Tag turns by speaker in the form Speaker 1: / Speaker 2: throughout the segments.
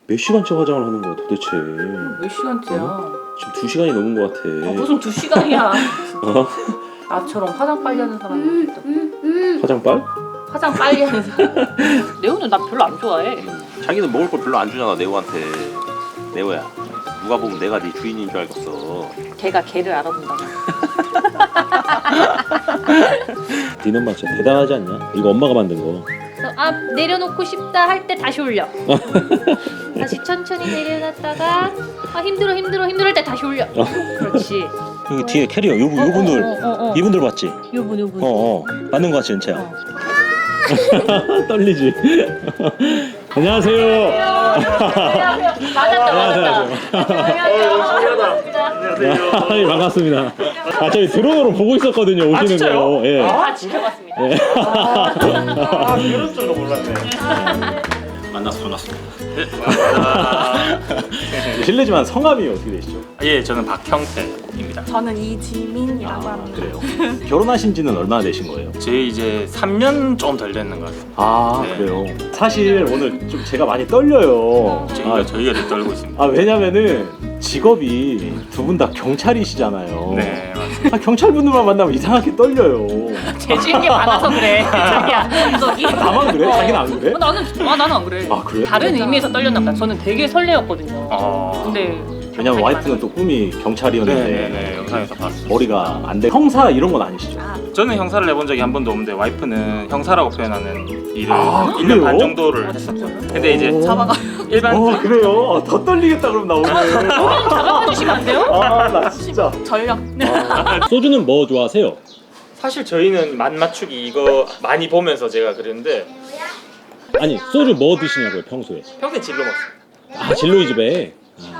Speaker 1: 몇 시간째 화장을 하는 거야 도대체?
Speaker 2: 몇 시간째야?
Speaker 1: 지금 2시간이 넘은 것 같아.
Speaker 2: 무슨 2시간이야. 나처럼 화장 빨리 하는 사람이 있다.
Speaker 1: 화장빨?
Speaker 2: 화장 빨리 하는 사람. 레오는 나 별로 안 좋아해.
Speaker 3: 자기는 먹을 걸 별로 안 주잖아 네오한테. 네오야 누가 보면 내가 네 주인인 줄 알겠어.
Speaker 2: 걔가 걔를 알아본다고.
Speaker 1: 니네 엄마 진짜 대단하지 않냐? 이거 엄마가 만든 거.
Speaker 2: 그래서 아 내려놓고 싶다 할 때 다시 올려. 다시 천천히 내려놨다가 아 힘들어 할 때 다시 올려. 그렇지.
Speaker 1: 여기 뒤에 캐리어 요분들 이분들 봤지?
Speaker 2: 요분.
Speaker 1: 맞는 거 같지 은채야? 떨리지? 안녕하세요.
Speaker 2: 맞았다.
Speaker 1: 안녕하세요. 반갑습니다. 아 저희 드론으로 보고 있었거든요 오시는 거. 예.
Speaker 2: 다 지켜봤습니다.
Speaker 1: 예.
Speaker 3: 이럴 줄도 몰랐네.
Speaker 1: 만나서 반갑습니다. 실례지만 성함이 어떻게 되시죠?
Speaker 4: 예, 저는 박형태입니다.
Speaker 5: 저는 이지민이라고 합니다.
Speaker 1: 그래요. 결혼하신 지는 얼마나 되신 거예요?
Speaker 4: 제 이제 3년 좀 덜 됐는 것 같아요.
Speaker 1: 아
Speaker 4: 네.
Speaker 1: 그래요. 사실 오늘 좀 제가 많이 떨려요.
Speaker 4: 저희가 좀 떨고 있습니다.
Speaker 1: 아 왜냐면은 직업이 두 분 다 경찰이시잖아요.
Speaker 4: 네, 맞습니다.
Speaker 1: 아, 경찰분들만 만나면 이상하게 떨려요.
Speaker 2: 재주인 게 많아서 그래. 자기야. 분석이.
Speaker 1: 나만 그래? 자기는 안 그래?
Speaker 2: 나는 안 그래.
Speaker 1: 아 그래?
Speaker 2: 다른 의미에서 떨렸나 보다. 저는 되게 설레었거든요. 근데
Speaker 1: 왜냐면 와이프는 또 꿈이 경찰이었는데
Speaker 4: 네네네, 영상에서 봤어요.
Speaker 1: 머리가 안 돼. 형사 이런 건 아니시죠?
Speaker 4: 저는 형사를 해본 적이 한 번도 없는데 와이프는 형사라고 표현하는 일을
Speaker 1: 아,
Speaker 4: 1년
Speaker 1: 그래요?
Speaker 4: 반 정도를 했었죠. 근데 이제 일반
Speaker 1: 그래요? 더 떨리겠다 그럼 나 오늘.
Speaker 2: 작업해 주시면 안 돼요?
Speaker 1: 아 나 진짜.
Speaker 5: 전력.
Speaker 1: 소주는 뭐 좋아하세요?
Speaker 4: 사실 저희는 맛 맞추기 이거 많이 보면서 제가 그랬는데
Speaker 1: 아니 소주 뭐 드시냐고요 평소에?
Speaker 4: 평소에 진로 먹어요.
Speaker 1: 아 진로이 집에.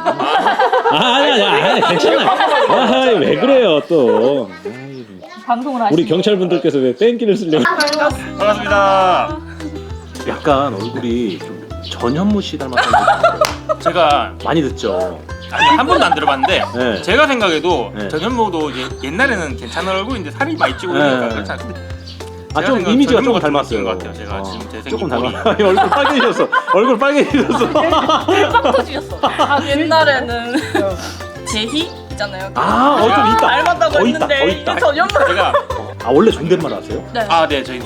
Speaker 1: 아니 괜찮아. 아 왜 그래요 또.
Speaker 2: 방송을 하시.
Speaker 1: 우리 경찰분들께서 왜 뺑기를 쓰려고?
Speaker 4: 반갑습니다.
Speaker 1: 약간 얼굴이 좀 전현무 씨 닮았다는
Speaker 4: 제가
Speaker 1: 많이 듣죠.
Speaker 4: 아니, 한 번도 안 들어봤는데
Speaker 1: 네.
Speaker 4: 제가 생각해도
Speaker 1: 네.
Speaker 4: 전현무도 이제 옛날에는 괜찮은 얼굴인데 살이 많이 찌고
Speaker 1: 네.
Speaker 4: 그러니까 그렇지 않은데
Speaker 1: 아 좀 이미지가 조금 닮았어요.
Speaker 4: 것 같아요. 제가 지금 제 생긴
Speaker 1: 조금
Speaker 4: 꼴이.
Speaker 1: 닮았. 얼굴 빨개지셨어. 얼굴 빨개지셨어.
Speaker 2: 빡 터지셨어.
Speaker 5: 아, 옛날에는 제희 있잖아요.
Speaker 1: 좀 있다.
Speaker 5: 닮았다고
Speaker 1: 더 있다.
Speaker 5: 했는데
Speaker 1: 더 있다.
Speaker 5: 이게 전현무.
Speaker 4: 제가
Speaker 1: 아 원래 존댓말 하세요?
Speaker 4: 네 저희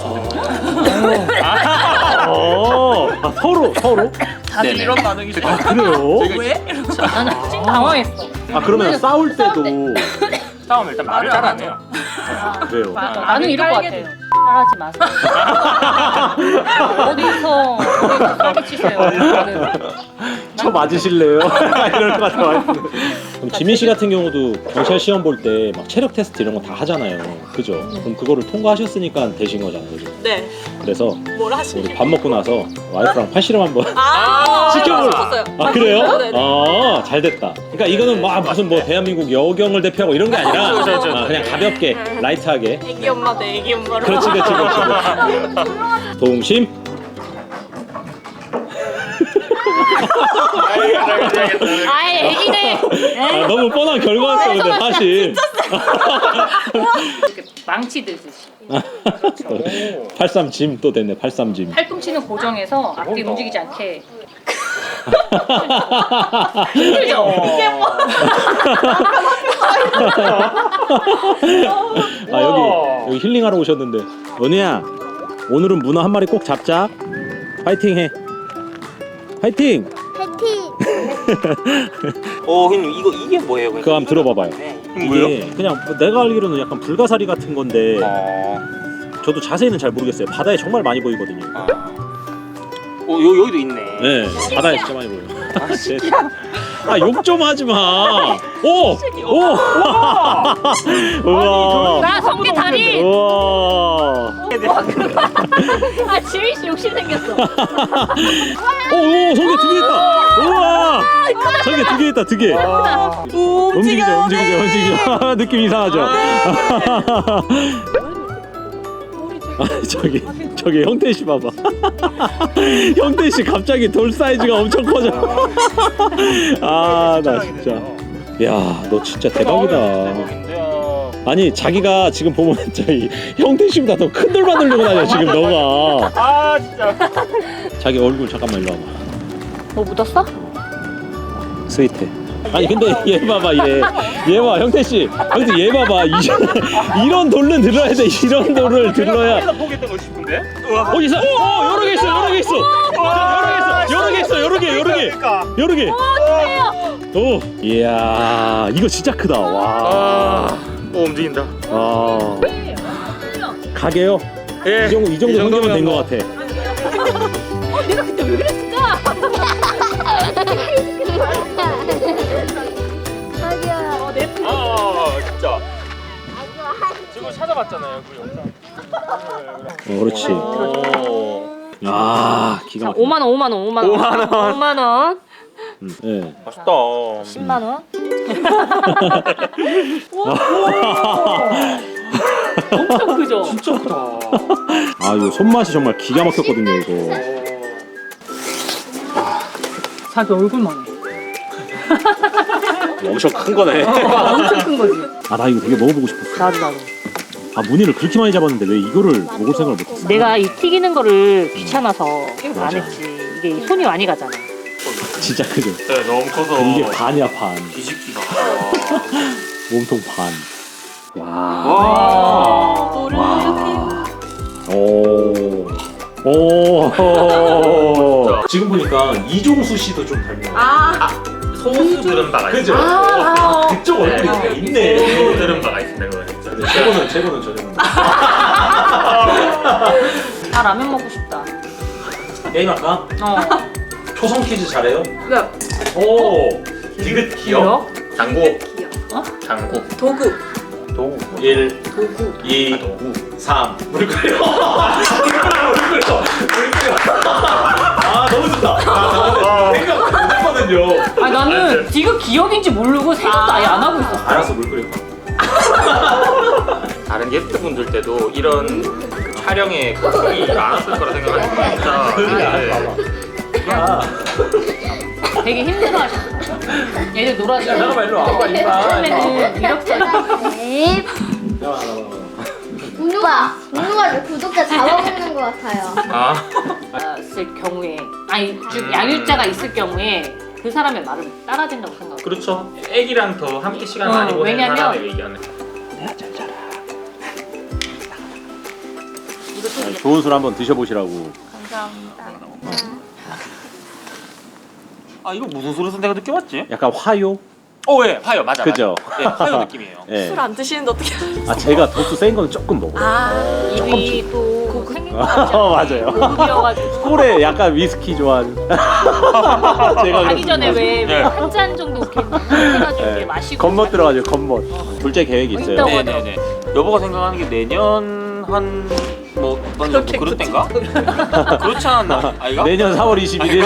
Speaker 1: 서로.
Speaker 5: 다들
Speaker 4: 네네.
Speaker 5: 이런 반응이죠.
Speaker 1: 아 그래요?
Speaker 5: 왜?
Speaker 2: 나는 지금 당황했어.
Speaker 1: 아 그러면 싸울 때도
Speaker 4: 싸움 일단 말을 잘 안 해요.
Speaker 1: 그래요.
Speaker 2: 나는 이럴 것 같아요. 하지 마세요. 어디서 싸게 치세요.
Speaker 1: 저 맞으실래요? 이럴 것 같아 와이프는. 그럼 지민 씨 같은 경우도 경찰 시험 볼 때 막 체력 테스트 이런 거 다 하잖아요. 그죠? 그럼 그거를 통과하셨으니까 되신 거잖아요. 그죠?
Speaker 5: 네.
Speaker 1: 그래서
Speaker 5: 뭘 하시게?
Speaker 1: 우리 밥 먹고 나서 와이프랑 팔씨름 한번
Speaker 5: 시켜볼.
Speaker 1: 아 그래요?
Speaker 5: 네네.
Speaker 1: 아 잘됐다. 그러니까 이거는 막 무슨 뭐 대한민국 여경을 대표하고 이런 게 아니라
Speaker 4: 그렇죠.
Speaker 1: 그냥 가볍게 라이트하게.
Speaker 5: 애기 엄마 대 애기 엄마로.
Speaker 1: 그렇지. 동심.
Speaker 2: 아예 애기네.
Speaker 1: 아, 너무 뻔한 결과였어 근데 사실.
Speaker 2: 이렇게 망치 들듯이.
Speaker 1: 83짐 또 됐네 83짐.
Speaker 2: 팔꿈치는 고정해서 앞뒤 움직이지 않게. 힘들죠? 이게 뭐?
Speaker 1: 아 여기 힐링하러 오셨는데 은혜야 오늘은 문어 한 마리 꼭 잡자. 파이팅 해. 파이팅.
Speaker 3: 형님 이게 뭐예요?
Speaker 1: 그거 한번 들어봐봐요. 이게 그냥 내가 알기로는 약간 불가사리 같은 건데 저도 자세히는 잘 모르겠어요. 바다에 정말 많이 보이거든요.
Speaker 3: 여기도 있네.
Speaker 1: 네, 바다에 진짜 많이 보여요. 욕 좀 하지 마. 오, 우와.
Speaker 2: 나 성게 다리.
Speaker 1: 우와.
Speaker 2: 아 지민 씨 욕심 생겼어.
Speaker 1: 오, 성게 2개 있다. 우와. 성게 2개 있다, 2개. 움직이죠. 느낌 이상하죠. 저기 형태 씨 봐봐. 형태 씨 갑자기 돌 사이즈가 엄청 커져. 아 나 진짜. 야 너 진짜 대박이다. 아니 자기가 지금 보면 저희 형태 씨보다 더 큰 돌만 들고 다녀 지금 너가.
Speaker 4: 아 진짜.
Speaker 1: 자기 얼굴 잠깐만 일로 와봐.
Speaker 2: 뭐 묻었어?
Speaker 1: 스위트. 아니 근데 얘 봐봐 얘 봐 형태 씨 형태 얘 봐봐 이런 돌은 들어야 돼. 이런 돌을 들러야.
Speaker 4: 내가 보겠던 거 싶은데?
Speaker 1: 있어. 여러 개 있어. 여러 개 있어. 여러 개. 오, 이야 이거 진짜 크다. 와.
Speaker 4: 오 움직인다.
Speaker 1: 아. 가게요.
Speaker 4: 예.
Speaker 1: 이 정도 성경은 된 것 같아.
Speaker 2: 내가 그때 왜 그랬을까?
Speaker 4: 진짜. 지금 찾아봤잖아요 그 영상.
Speaker 1: 그렇지.
Speaker 4: 오.
Speaker 1: 아 기가 막혀.
Speaker 2: 5만 원, 5만 원, 5만 원. 5만 원.
Speaker 1: 네.
Speaker 4: 맛있다.
Speaker 2: 10만 원. 엄청 크죠?
Speaker 4: 진짜 크다.
Speaker 1: 아 이거 손맛이 정말 기가 막혔거든요 이거.
Speaker 2: 자기 얼굴만 해.
Speaker 1: 엄청 큰 거네.
Speaker 2: 엄청 큰 거지.
Speaker 1: 아 나 이거 되게 먹어보고 싶었어.
Speaker 2: 나도.
Speaker 1: 아 무늬를 그렇게 많이 잡았는데 왜 이거를 먹을 생각을 못했어?
Speaker 2: 내가 이 튀기는 거를 귀찮아서
Speaker 1: 맞아.
Speaker 2: 안 했지. 이게 손이 많이 가잖아.
Speaker 1: 진짜 크죠.
Speaker 4: 네 너무 커서.
Speaker 1: 이게 반이야 반.
Speaker 4: 뒤집기가.
Speaker 1: 몸통 반. 와.
Speaker 5: 돌을
Speaker 1: 오. 지금 보니까 이종수 씨도 좀 닮은 거 같아.
Speaker 4: 소스 들은 바가
Speaker 1: 그죠?
Speaker 4: 있어요.
Speaker 1: 그쪽 얼굴이 있네.
Speaker 4: 소스 들은 바가 있습니다 그거 진짜.
Speaker 1: 최고는 저는.
Speaker 2: 아 라면 먹고 싶다.
Speaker 1: 게임 할까? 초성 퀴즈 잘해요?
Speaker 5: 네.
Speaker 1: 오. 디귿 기억.
Speaker 4: 장고.
Speaker 5: 어?
Speaker 4: 장고.
Speaker 5: 도구.
Speaker 4: 도구.
Speaker 1: 1,
Speaker 5: 도구.
Speaker 1: 2,
Speaker 4: 도구.
Speaker 1: 3. 물 끓여. 아 너무 좋다. 생각 못했거든요.
Speaker 2: 아 나는 지금 기억인지 모르고 생각도 아예 안 하고 있었어.
Speaker 1: 알았어 물 끓여.
Speaker 4: 다른 게스트분들 때도 이런 그 촬영에 걱정이 많았을 거라 생각하니까 진짜.
Speaker 2: 되게 힘들어하셨어. 얘들 놀아주고.
Speaker 1: 잠깐만 일로 와봐
Speaker 2: 처음에는 이렇게
Speaker 6: 네. 운우가 구독자 잡아먹는 것 같아요.
Speaker 2: 있을 경우에 아니 즉 양육자가 있을 경우에 그 사람의 말을 따라야 된다고 생각해.
Speaker 4: 그렇죠. 애기랑 더 함께 시간 많이 보내는
Speaker 2: 왜냐면-
Speaker 4: 사람의 의견을.
Speaker 1: 좋은 술 한번 드셔보시라고.
Speaker 5: 감사합니다.
Speaker 4: 아 이거 무슨 소리에서 내가 느껴봤지?
Speaker 1: 약간 화요?
Speaker 4: 예, 화요 맞아.
Speaker 1: 그죠?
Speaker 4: 맞아. 예, 화요 느낌이에요.
Speaker 1: 예.
Speaker 5: 술 안 드시는데 어떻게 알았어?
Speaker 1: 아 제가 도수 센 거는 조금 먹어요.
Speaker 2: 입이 또 생긴 거 같지 않아요?
Speaker 1: 맞아요.
Speaker 2: 고급이어가지고
Speaker 1: 꿀에 약간 위스키 좋아하는. 제가
Speaker 2: 가기 전에
Speaker 1: 그렇습니다.
Speaker 2: 왜 한 잔 정도 이렇게 해가지고 이렇게
Speaker 1: 네.
Speaker 2: 마시고
Speaker 1: 겉멋 들어가지고 겉멋. 둘째 계획이 있어요.
Speaker 2: 있다고
Speaker 4: 네네네. 여보가 생각하는 게 내년 한뭐 어떤 정도 그럴 땐가? 그렇지 않았나? 아이가?
Speaker 1: 내년 4월 21일.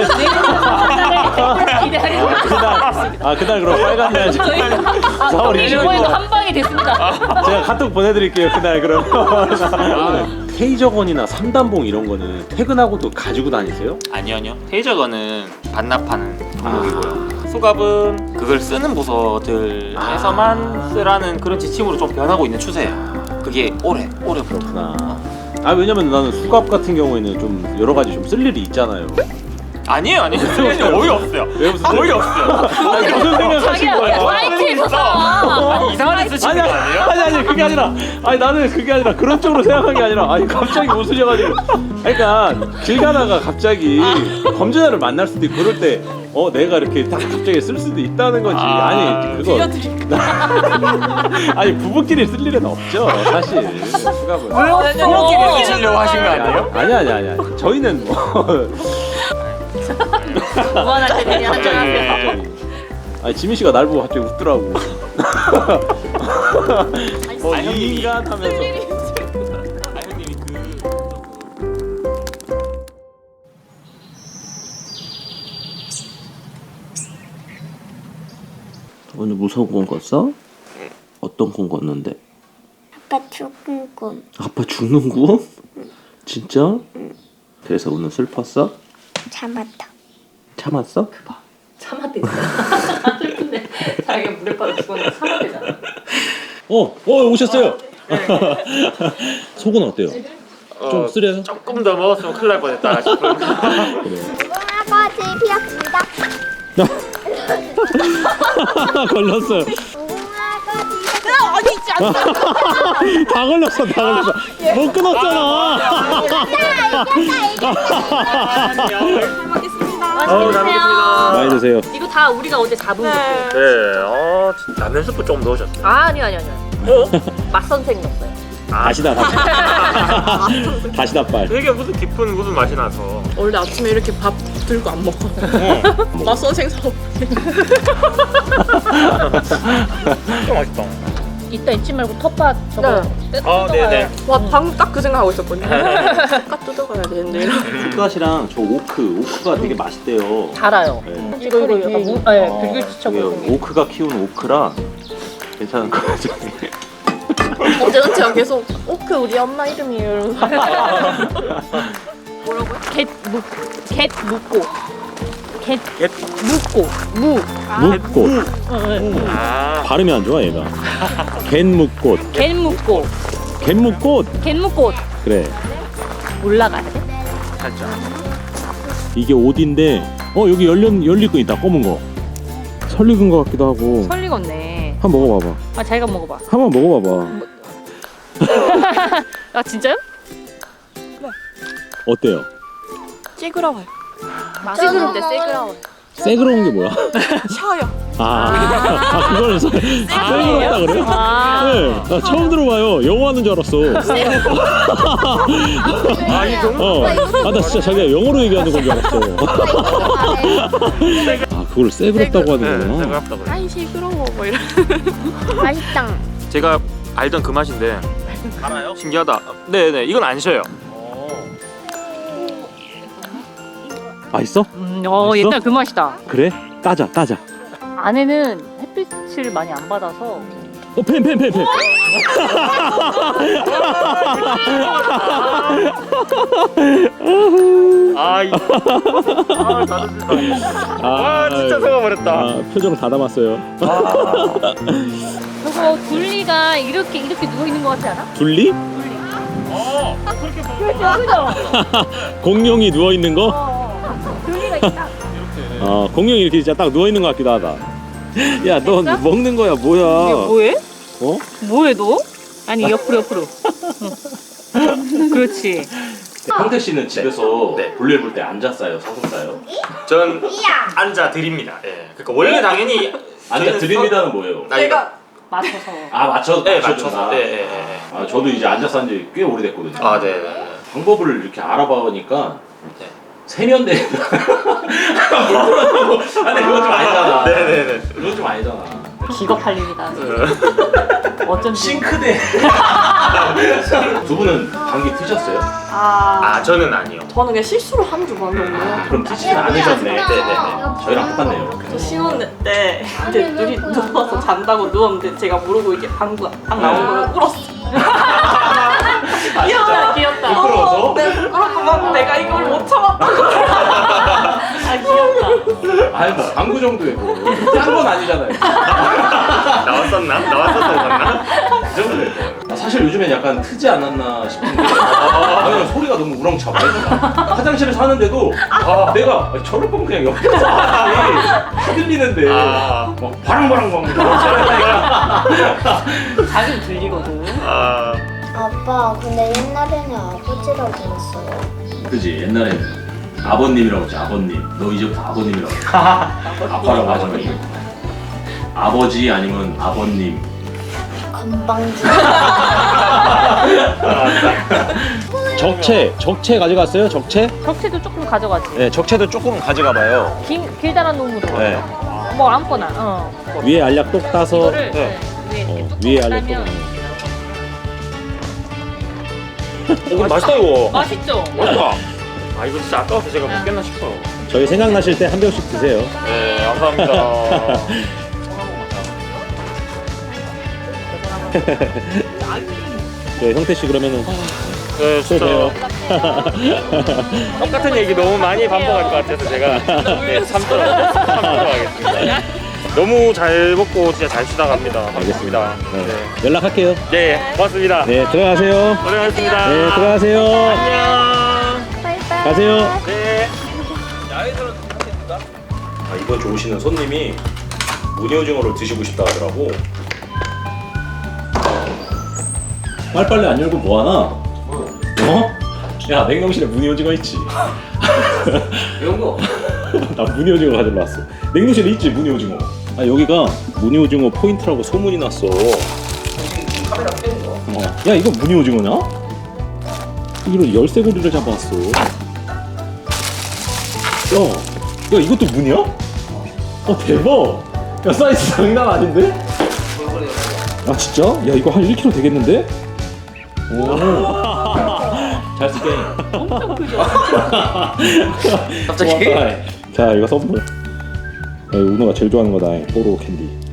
Speaker 2: 기대하려고
Speaker 1: 그날 그럼 빨간 날 4월 21일.
Speaker 2: 이번에도 한 방이 됐습니다.
Speaker 1: 제가 카톡 보내드릴게요 그날 그럼. 테이저건이나 3단봉 이런 거는 퇴근하고도 가지고 다니세요?
Speaker 4: 아니요. 테이저건은 반납하는 종목이고요. 수갑은 그걸 쓰는 부서들에서만 쓰라는 그런 지침으로 좀 변하고 있는 추세예요. 그게 오래
Speaker 1: 그렇구나. 아 왜냐면 나는 수갑 같은 경우에는 좀 여러 가지 좀 쓸 일이 있잖아요.
Speaker 4: 아니에요. 거의 없어요.
Speaker 1: 왜 무슨
Speaker 4: 거의 없어요.
Speaker 1: 아니, 무슨 생각하신
Speaker 2: 자기야
Speaker 1: 거예요?
Speaker 2: 사이트에서 사.
Speaker 4: 아니 이상한 데 쓰시는 거 아니에요?
Speaker 1: 아니 그게 아니라 아니 나는 그게 아니라 그런 쪽으로 생각한 게 아니라 아니 갑자기 웃으셔가지고 그러니까 길 가다가 갑자기 범죄자를 만날 수도 있고 그럴 때 내가 이렇게 딱 갑자기 쓸 수도 있다는 거지. 아니 그거 아니 부부끼리 쓸 일은 없죠 사실 수갑은.
Speaker 4: 부모끼리 쓰시려고 하신 거 아니에요?
Speaker 1: 아니 저희는 뭐
Speaker 2: 무한할 때
Speaker 1: 갑자기 아니 지민 씨가 날 보고 갑자기 웃더라고. 이 인간 하면서.
Speaker 4: 아 형님이
Speaker 3: 오늘 무서운 꿈 꿨어? 어떤 꿈 꿨는데?
Speaker 6: 아빠 죽은 꿈.
Speaker 3: 아빠 죽는 꿈? 진짜? 그래서 오늘 슬펐어?
Speaker 6: 참았다.
Speaker 3: 참았어?
Speaker 2: 참았대잖아. 슬픈데 자기가 물에 빠져 죽었는데 참았대잖아.
Speaker 1: 오셨어요. 속은 어때요? 좀 쓰려요?
Speaker 4: 조금 더 먹었으면 큰일 날 뻔했다 싶은.
Speaker 1: 그래요.
Speaker 6: 아버지 피었습니다.
Speaker 1: 걸렸어요.
Speaker 5: 아니지 않나?
Speaker 1: 다 걸렸어, 다 걸렸어. 못 끊었잖아.
Speaker 5: 잘 먹겠습니다.
Speaker 2: 맛있게 드세요.
Speaker 1: 많이 드세요.
Speaker 2: 이거 다 우리가 어제 잡은 거.
Speaker 5: 네.
Speaker 4: 네, 라면 스프 좀 넣으셨어요.
Speaker 2: 아니요. 맛 선생 넣었어요.
Speaker 1: 다시다, 다시. 다시다 빨.
Speaker 4: 되게 무슨 깊은 무슨 맛이 나서.
Speaker 5: 원래 아침에 이렇게 밥 들고 안 먹어. 맛선생 사업.
Speaker 4: 진짜 맛있다.
Speaker 2: 이따 잊지 말고 텃밭 저거
Speaker 4: 아, 네네.
Speaker 5: 와 방금 딱 그 생각하고 있었거든요. 딱 뜯어가야 되는데.
Speaker 1: 풋갓이랑 저 오크가 되게 맛있대요.
Speaker 2: 달아요.
Speaker 1: 네.
Speaker 2: 이거 약간 불규칙하고
Speaker 1: 저게 오크가 키우는 오크라 괜찮은 거 같아요.
Speaker 5: 어제는 제가 계속 오크 우리 엄마 이름이에요. 뭐라고요?
Speaker 2: 갯 묵고
Speaker 4: 갯?
Speaker 2: 무
Speaker 1: 묵꽃.
Speaker 4: 아,
Speaker 1: 발음이 안 좋아 얘가. 갯묵꽃.
Speaker 2: 갯묵고
Speaker 1: 갯묵꽃.
Speaker 2: 갯묵꽃
Speaker 1: 그래.
Speaker 2: 올라가야 돼?
Speaker 4: 살짝.
Speaker 1: 이게 옷인데 여기 열릴 거 있다. 검은 거. 설익은 거 같기도 하고.
Speaker 2: 설익었네.
Speaker 1: 한번 먹어봐봐.
Speaker 2: 아 자기가 먹어봐.
Speaker 1: 한번 먹어봐봐.
Speaker 2: 아 진짜요?
Speaker 1: 어때요?
Speaker 5: 찌그러워요.
Speaker 2: 찌그러운데 찌그러워.
Speaker 1: 새그러운 게 뭐야?
Speaker 5: 셔요.
Speaker 1: 그걸 새그럽다 그래요?
Speaker 2: 아.
Speaker 1: 네, 나 처음 들어봐요. 영어 하는 줄 알았어.
Speaker 4: 아, 이 정도?
Speaker 1: 나 진짜 자기가 영어로 얘기하는 건 줄 알았어. 그걸 새그럽다고 하는
Speaker 4: 네,
Speaker 1: 거구나.
Speaker 4: 새그럽다 그래.
Speaker 5: 아이 시끄러워 뭐 이런.
Speaker 6: 맛있다.
Speaker 4: 제가 알던 그 맛인데. 알아요? 신기하다. 네네, 이건 안 쉬어요.
Speaker 1: 맛있어? 맛있어?
Speaker 2: 옛날 그 맛이다.
Speaker 1: 그래? 따자.
Speaker 2: 안에는 햇빛을 많이 안 받아서
Speaker 1: 펜.
Speaker 4: 진짜 속아버렸다.
Speaker 1: 표정을 다 담았어요.
Speaker 2: 저거 둘리가 이렇게 누워 있는 것 같지 않아?
Speaker 1: 둘리?
Speaker 2: 그죠?
Speaker 1: 공룡이 누워 있는 거?
Speaker 2: 둘리가 있다.
Speaker 1: 공룡이 이렇게 진짜 딱 누워 있는 것 같기도 하다. 야, 너 먹는 거야, 뭐야?
Speaker 2: 뭐해?
Speaker 1: 어?
Speaker 2: 뭐해 너? 아니 옆으로. 응. 그렇지.
Speaker 1: 형태 씨는 집에서
Speaker 4: 네.
Speaker 1: 볼일 볼 때 앉아 싸요, 서서 싸요?
Speaker 4: 전 앉아 드립니다. 예. 그러니까 원래 당연히
Speaker 1: 앉아 드립니다는 뭐예요?
Speaker 5: 내가
Speaker 2: 맞춰서.
Speaker 1: 맞춰서.
Speaker 4: 네, 맞춰서. 예.
Speaker 1: 저도 이제 앉아 싼 지 꽤 오래됐거든요.
Speaker 4: 아, 네.
Speaker 1: 방법을 이렇게 알아보니까
Speaker 4: 네.
Speaker 1: 세면대 물 들어가고. 근데 그건 좀 아니잖아.
Speaker 4: 네네네.
Speaker 1: 그건 좀 아니잖아.
Speaker 2: 기겁할 일이다. 어쩐지.
Speaker 1: 싱크대. 두 분은 방귀 트셨어요?
Speaker 4: 아, 저는 아니요.
Speaker 5: 저는 그냥 실수로 한 줄 알았는데.
Speaker 1: 그럼 트시진 않으셨네.
Speaker 4: 네네네.
Speaker 1: 저희랑 똑같네요.
Speaker 5: 저 신혼때 때 이제 둘이 누워서 잔다고 누웠는데 제가 모르고 이게 방구 딱 나온 거를 울었어.
Speaker 2: 귀엽다.
Speaker 1: 부끄러워서?
Speaker 5: 네, 부끄럽고 막 내가 이걸 못 참았다고.
Speaker 2: 아 귀엽다.
Speaker 1: 아니 뭐 방구 정도에 짠건 아니잖아요.
Speaker 4: 나왔었나?
Speaker 1: 그 정도에 사실 요즘엔 약간 트지 않았나 싶은데 왜냐면 소리가 너무 우렁차 화장실에서 하는데도 내가 저럴 거면 그냥 옆에서 다 들리는데 막 바랑바랑
Speaker 2: 자기는 들리거든.
Speaker 6: 아빠, 근데 옛날에는 아버지라고 했어요.
Speaker 1: 그지 옛날에는 아버님이라고 했지. 아버님 너 이제부터 아버님이라고 해. 아빠라고 하지 말고 아버지 아니면 아버님.
Speaker 6: 건방지.
Speaker 1: 적채 가져갔어요? 적채?
Speaker 2: 적채도 조금 가져가지.
Speaker 1: 네, 적채도 조금 가져가 봐요.
Speaker 2: 길다란 놈으로.
Speaker 1: 네.
Speaker 2: 뭐 아무거나.
Speaker 1: 위에 알약 똑 따서
Speaker 2: 이거를
Speaker 1: 위에 알약 똑.
Speaker 2: 따면
Speaker 4: 이거 맛있다 이거.
Speaker 2: 맛있죠?
Speaker 4: 맛있다. 이거 진짜 아까워서 제가 먹겠나 싶어요.
Speaker 1: 저희 생각나실 때 한 병씩 드세요.
Speaker 4: 네, 감사합니다.
Speaker 1: 네, 형태 씨 그러면은
Speaker 4: 네, 진짜
Speaker 1: 또
Speaker 4: 똑같은 얘기 너무 많이 반복할 것 같아서 제가 참도록 하겠습니다. 너무 잘 먹고 진짜 잘 쉬다 갑니다.
Speaker 1: 알겠습니다.
Speaker 4: 네.
Speaker 1: 연락할게요.
Speaker 4: 네, 고맙습니다.
Speaker 1: 네, 들어가세요.
Speaker 4: 고생하셨습니다.
Speaker 1: 네, 들어가세요.
Speaker 4: 안녕.
Speaker 6: 바이바이.
Speaker 1: 가세요.
Speaker 4: 네.
Speaker 3: 야외에서는
Speaker 1: 기분 좋으시는 손님이 무늬오징어를 드시고 싶다 하더라고. 빨리빨리 안 열고 뭐하나? 어? 야 냉동실에 무늬오징어 있지?
Speaker 4: 이런 거.
Speaker 1: 나 무늬오징어 가지러 왔어. 냉동실에 있지 무늬오징어. 아 여기가 무늬오징어 포인트라고 소문이 났어.
Speaker 4: 지금 카메라 켜는 거.
Speaker 1: 야 이거 무늬오징어냐? 이런 열쇠고리를 잡아왔어. 야 이것도 무늬야? 대박. 야 사이즈 장난 아닌데? 아 진짜? 야 이거 한 1kg 되겠는데? 오. 잘 쓸게.
Speaker 5: 엄청 크죠?
Speaker 4: 갑자기?
Speaker 1: 고맙다. 자 이거 선물. 야, 이거 은호가 제일 좋아하는 거다. 뽀로 캔디.